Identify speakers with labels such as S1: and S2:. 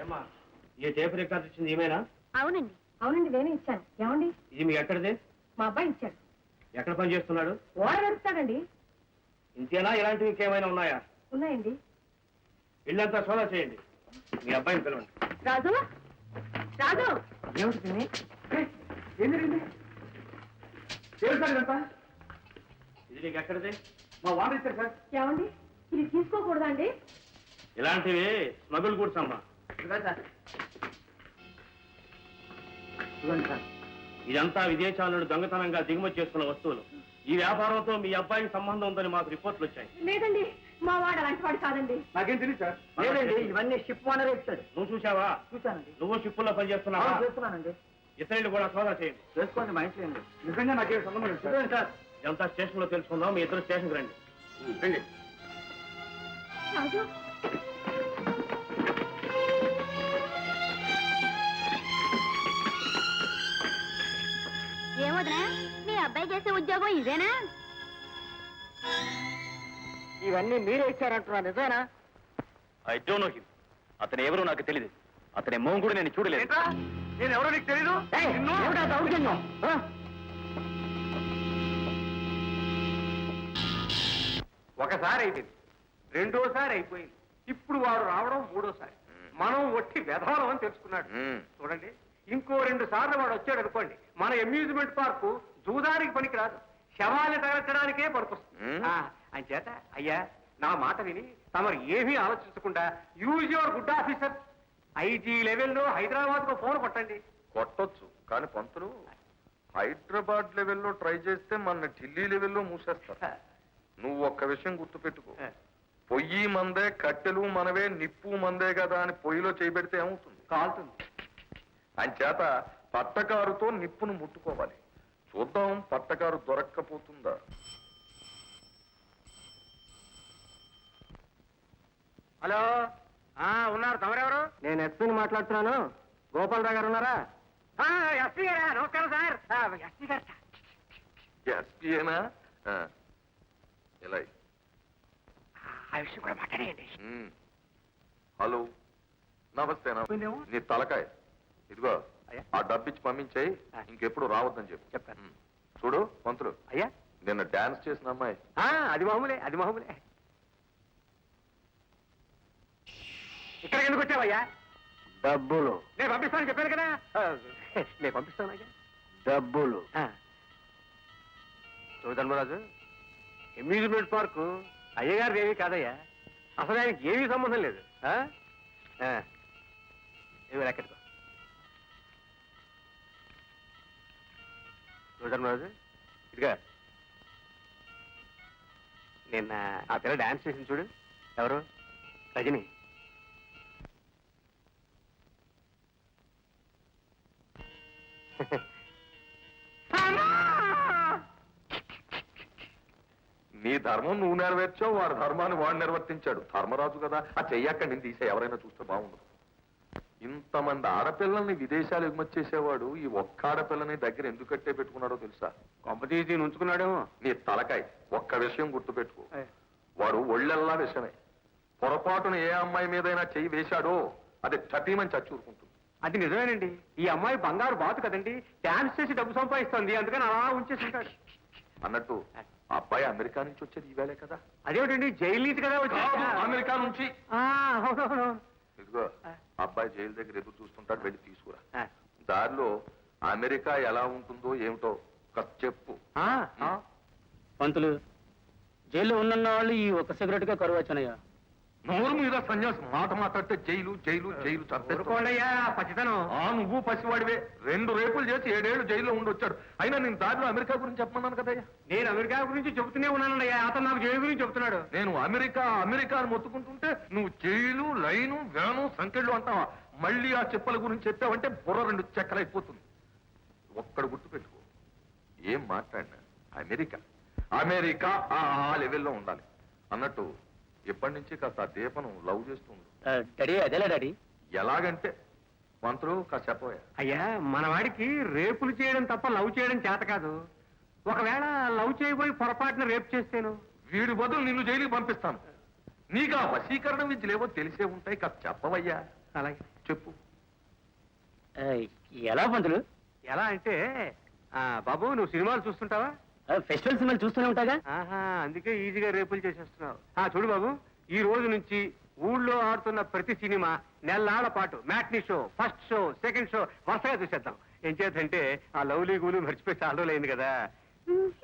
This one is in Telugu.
S1: ఏమ్మా ఈ టేప్ రికార్డు ఇచ్చింది ఏమైనా?
S2: అవునండి అవునండి నేనే ఇచ్చాను. ఏమండి
S1: ఇది మీ ఎక్కడిది?
S2: మా అబ్బాయి ఇచ్చాడు.
S1: ఎక్కడ పని చేస్తున్నాడు?
S2: ఓడ వెళ్తాడండి.
S1: ఇంతేనా ఇలాంటివి ఇంకేమైనా ఉన్నాయా?
S2: ఉన్నాయండి.
S1: ఇల్లంతా సోదా చేయండి. మీ అబ్బాయిని పిలవండి.
S2: రాజు రాజు
S1: ఏమిటి ఏం జరిగింది? ఇది నీకు ఎక్కడిది?
S3: మా వాడు ఇచ్చారు సార్.
S2: ఏమండి ఇది తీసుకోకూడదా అండి?
S1: ఇలాంటివి స్మగుల్ గూడ్స్ అమ్మా. ఇదంతా విదేశాల నుండి దొంగతనంగా దిగుమతి చేసుకున్న వస్తువులు. ఈ వ్యాపారంతో మీ అబ్బాయికి సంబంధం ఉందని మాకు రిపోర్ట్లు వచ్చాయి.
S2: లేదండి మా వాడు అలాంటి వాడు కాదండి.
S3: నాకేం తెలియదు సార్.
S1: లేదండి,
S3: ఇవన్నీ షిప్ ఓనర్ ఇచ్చాడు.
S1: నువ్వు చూసావా?
S3: చూశానండి.
S1: నువ్వు షిప్పుల్లో పనిచేస్తున్నావా?
S3: చేస్తున్నానండి.
S1: ఇతరులు కూడా సోదా చేయండి.
S3: చేసుకోండి, మా ఇంట్లో అండి. నిజంగా నాకేం సంబంధం లేదు సార్.
S1: ఇదంతా స్టేషన్ లో తెలుసుకుందాం. మీ ఇద్దరు స్టేషన్కి రండి. రండి.
S2: రాజు ఏమోదనా మీ అబ్బాయి చేసే ఉద్యోగం ఇదేనా?
S3: ఇవన్నీ మీరే ఇచ్చారంటున్నా, నిజమేనా?
S4: I don't know him. అతను ఎవరో నాకు తెలియదు. అతని మొహం కూడా నేను చూడలేదు.
S3: నేను ఎవరో నీకు తెలీదు? ఒకసారి అయిపోయింది, రెండోసారి అయిపోయింది, ఇప్పుడు వాడు రావడం మూడోసారి. మనం ఒట్టి వెధవరం అని తెలుసుకున్నాడు. చూడండి, ఇంకో 2 సార్లు వాడు వచ్చాడు అనుకోండి, మన అమ్యూజ్మెంట్ పార్కు జూదానికి పనికి రాదు, శవాన్ని తగలచడానికే పనికొస్తుంది. అంచేత అయ్యా నా మాట విని తమరు ఏమీ ఆలోచించకుండా use your good officer IG లెవెల్లో హైదరాబాద్ కు ఫోన్ కొట్టండి.
S5: కొట్టొచ్చు, కానీ పంతులు హైదరాబాద్ లెవెల్లో ట్రై చేస్తే మన ఢిల్లీ లెవెల్లో మూసేస్తారు. నువ్వు ఒక్క విషయం గుర్తుపెట్టుకో, పొయ్యి మందే, కట్టెలు మనవే, నిప్పు మందే కదా అని పొయ్యిలో చేయబెడితే ఏమవుతుంది?
S3: కాలుతుంది.
S5: అంచేత పట్టకారుతో నిప్పును ముట్టుకోవాలి. చూద్దాం పట్టకారు దొరక్కపోతుందా.
S3: హలో, ఉన్నారు, తమరెవరు? నేను ఎస్పీని మాట్లాడుతున్నాను. గోపాలరావు గారు ఉన్నారా? ఎస్పీ గారా? నమస్కారం సార్. ఎస్పీ గారు
S5: ఎస్పీఏనా? ఇలా
S3: ఆ విషయం కూడా మాట్లాడేయండి.
S5: హలో, నమస్తే. నీ తలకాయ ఇదిగో, ఆ డబ్బిచ్చి పంపించాయి, ఇంకెప్పుడు రావద్దని చెప్పు.
S3: చెప్తాను.
S5: చూడు పంతులు,
S3: అయ్యా
S5: నిన్న డాన్స్ చేసిన అమ్మాయి
S3: అది మామూలే, అది మామూలే. ఇక్కడికి ఎందుకు వచ్చావయ్యా?
S4: డబ్బులు
S3: నేను పంపిస్తాను చెప్పాను కదా. నేను పంపిస్తాను అయ్యా.
S4: డబ్బులు
S3: ధర్మరాజు, అమ్యూజ్మెంట్ పార్కు అయ్యగారు ఏమీ కాదయ్యా. అసలు ఆయనకి ఏమీ సంబంధం లేదు. ఏమి ఎక్కడికో ధర్మరాజు, ఇదిగా నిన్న ఆ పిల్ల డాన్స్ చేసింది చూడు. ఎవరు? రజని.
S5: నీ ధర్మం నువ్వు నెరవేర్చావు, వాడి ధర్మాన్ని వాడు నిర్వర్తించాడు. ధర్మరాజు కదా, ఆ చెయ్యక్క నేను తీసే, ఎవరైనా చూస్తే బాగుండదు. ఇంతమంది ఆడపిల్లల్ని విదేశాలు ఎగుమతి చేసేవాడు ఈ ఒక్క ఆడపిల్లని దగ్గర ఎందుకు కట్టే పెట్టుకున్నాడో తెలుసా?
S3: కొంపతీసి ఉంచుకున్నాడేమో.
S5: నీ తలకాయ, ఒక్క విషయం గుర్తుపెట్టుకో, వాడు ఒళ్ళెల్లా విషమే. పొరపాటున ఏ అమ్మాయి మీదైనా చెయ్యి వేశాడో అది చటీమని చచ్చూరుకుంటుంది.
S3: అది నిజమేనండి. ఈ అమ్మాయి బంగారు బాతు కదండి, డాన్స్ చేసి డబ్బు సంపాదిస్తుంది, అందుకని అలా ఉంచేసి ఉంటాడు.
S5: అన్నట్టు ఆ అబ్బాయి అమెరికా నుంచి వచ్చేది ఈవేళే కదా?
S3: అదేమిటండి, జైలు నుంచి కదా వచ్చి.
S5: అమెరికా నుంచి.
S3: అవునవును.
S5: ఇదిగో, అబ్బాయి జైలు దగ్గర ఎదురు చూస్తుంటాడు, వెళ్ళి తీసుకురా. దారిలో అమెరికా ఎలా ఉంటుందో ఏమిటో చెప్పు.
S4: పంతులు, జైల్లో ఉన్న వాళ్ళు ఈ ఒక్క సిగరెట్ గా కరువు వచ్చానయ్యా.
S5: నోరు మీద సన్యాసం మాట మాట్లాడితే జైలు జైలు జైలు
S3: చంపేసుకోండియా పచ్చితనం.
S5: నువ్వు పసివాడివే. 2 రేపులు చేసి 7 ఏళ్ళు జైల్లో ఉండొచ్చాడు. అయినా నేను దారిలో అమెరికా గురించి చెప్పమన్నాను కదయ్యా.
S3: నేను అమెరికా గురించి చెబుతూనే ఉన్నానయ్యా, అతను నాకు జైలు గురించి చెబుతున్నాడు.
S5: నేను అమెరికా అమెరికా అని మొత్తుకుంటుంటే నువ్వు జైలు, లైను, వేను, సంకెళ్ళు అంటావా? మళ్ళీ ఆ చెప్పల గురించి చెప్పావంటే బుర్ర 2 చెక్కలైపోతుంది. ఒక్కడు గుర్తుపెట్టుకో, ఏం మాట్లాడినా అమెరికా అమెరికా ఆ లెవెల్లో ఉండాలి. అన్నట్టు ఎప్పటి నుంచి కాస్త దీపను లవ్ చేస్తుంది.
S4: డాడీ అదేలా డాడీ?
S5: ఎలాగంటే మంత్రులు కాస్త చెప్పవా?
S3: అయ్యా, మన వాడికి రేపులు చేయడం తప్ప లవ్ చేయడం చేత కాదు. ఒకవేళ లవ్ చేయబోయి పొరపాటున రేపు చేస్తేను
S5: వీడి బదులు నిన్ను జైలుకి పంపిస్తాను. నీకు ఆ వశీకరణ విద్యలేవో తెలిసే ఉంటాయి, కాస్త చెప్పవయ్యా.
S3: అలాగే
S5: చెప్పు.
S4: ఆ, ఎలా పంతులు?
S3: ఎలా అంటే బాబు నువ్వు సినిమాలు చూస్తుంటావా?
S4: ఫెస్టివల్ సినిమాలు చూస్తూనే ఉంటాగా.
S3: ఆహా, అందుకే ఈజీగా రేపులు చేసేస్తున్నావు. చూడు బాబు, ఈ రోజు నుంచి ఊళ్ళో ఆడుతున్న ప్రతి సినిమా నెలల పాటు matinee show, first show, second show వరుసగా చూసేద్దాం. ఏం చేద్దంటే ఆ లవ్లీ గూలు మర్చిపోయి చాలా రోజులైంది కదా.